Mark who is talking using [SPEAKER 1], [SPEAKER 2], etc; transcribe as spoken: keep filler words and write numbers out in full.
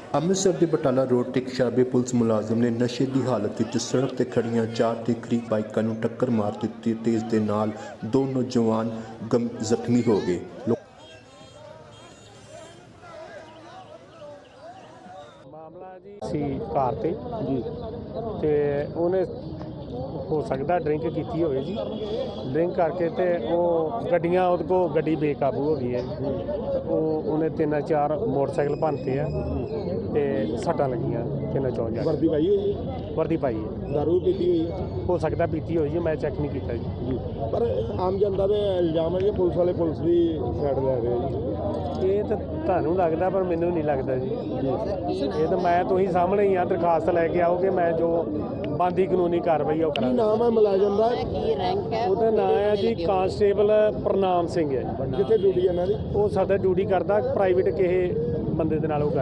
[SPEAKER 1] ਅੰਮ੍ਰਿਤਸਰ ਦੇ ਬਟਾਲਾ ਰੋਡ ਤੇ ਇੱਕ ਸ਼ਰਾਬੀ ਪੁਲਿਸ ਮੁਲਾਜ਼ਮ ਨੇ ਨਸ਼ੇ ਦੀ ਹਾਲਤ ਵਿੱਚ ਸੜਕ ਤੇ ਖੜੀਆਂ ਚਾਰ ਦੇ ਕਰੀਬ ਬਾਈਕਾਂ ਨੂੰ ਟੱਕਰ ਮਾਰ ਦਿੱਤੀ ਤੇ ਇਸ ਦੇ ਨਾਲ ਦੋ ਨੌਜਵਾਨ ਗੰਭ ਜ਼ਖਮੀ ਹੋ ਗਏ।
[SPEAKER 2] ਮਾਮਲਾ ਜੀ ਸੀ ਕਾਰ ਤੇ ਜੀ ਤੇ ਉਹਨੇ ਹੋ ਸਕਦਾ ਡਰਿੰਕ ਕੀਤੀ ਹੋਵੇ ਜੀ। ਡਰਿੰਕ ਕਰਕੇ ਤੇ ਉਹ ਗੱਡੀਆਂ ਉਹਦੇ ਕੋਲ ਗੱਡੀ ਬੇਕਾਬੂ ਹੋ ਗਈ ਹੈ। ਉਹ ਉਹਨੇ ਤਿੰਨ ਚਾਰ ਮੋਟਰਸਾਈਕਲ ਭੰਨਤੇ ਆ ਤੇ ਸੱਟਾਂ ਲੱਗੀਆਂ ਤਿੰਨ ਚੌਂ ਜਾ।
[SPEAKER 3] ਵਰਦੀ ਪਾਈ ਹੋਈ ਹੈ?
[SPEAKER 2] ਵਰਦੀ ਪਾਈ ਹੈ।
[SPEAKER 3] ਦਾਰੂ ਪੀਤੀ ਹੋਈ ਹੈ?
[SPEAKER 2] ਹੋ ਸਕਦਾ ਪੀਤੀ ਹੋਈ ਜੀ, ਮੈਂ ਚੈੱਕ ਨਹੀਂ ਕੀਤਾ ਜੀ।
[SPEAKER 3] ਪਰ ਆਮ ਜਨਤਾ ਦੇ ਇਲਜ਼ਾਮ ਹੈ ਕਿ ਪੁਲਿਸ ਵਾਲੇ ਪੁਲਿਸ ਦੀ ਸਾਈਡ ਲੈ ਰਹੇ ਜੀ।
[SPEAKER 2] ਇਹ ਤਾਂ ਤੁਹਾਨੂੰ ਲੱਗਦਾ ਪਰ ਮੈਨੂੰ ਨਹੀਂ ਲੱਗਦਾ ਜੀ। ਇਹ ਤਾਂ ਮੈਂ ਤੁਸੀਂ ਸਾਹਮਣੇ ਹੀ ਆ, ਦਰਖਾਸਤ ਲੈ ਕੇ ਆਓਗੇ, ਮੈਂ ਜੋ ਬਣਦੀ ਕਾਨੂੰਨੀ ਕਾਰਵਾਈ ਉਹ
[SPEAKER 3] ਕੀ
[SPEAKER 2] ਕਰਾਂਗਾ।
[SPEAKER 3] ਨਾਮ ਹੈ ਮੁਲਾਜ਼ਮ ਦਾ?
[SPEAKER 2] ਉਹਦਾ ਨਾਮ ਹੈ ਜੀ ਕਾਂਸਟੇਬਲ ਪ੍ਰਨਾਮ ਸਿੰਘ ਹੈ।
[SPEAKER 3] ਕਿੱਥੇ ਡਿਊਟੀ ਇਹਨਾਂ ਦੀ?
[SPEAKER 2] ਉਹ ਸਾਡਾ ਡਿਊਟੀ ਕਰਦਾ ਪ੍ਰਾਈਵੇਟ ਕਿਸੇ ਬੰਦੇ ਦੇ ਨਾਲ ਉਹ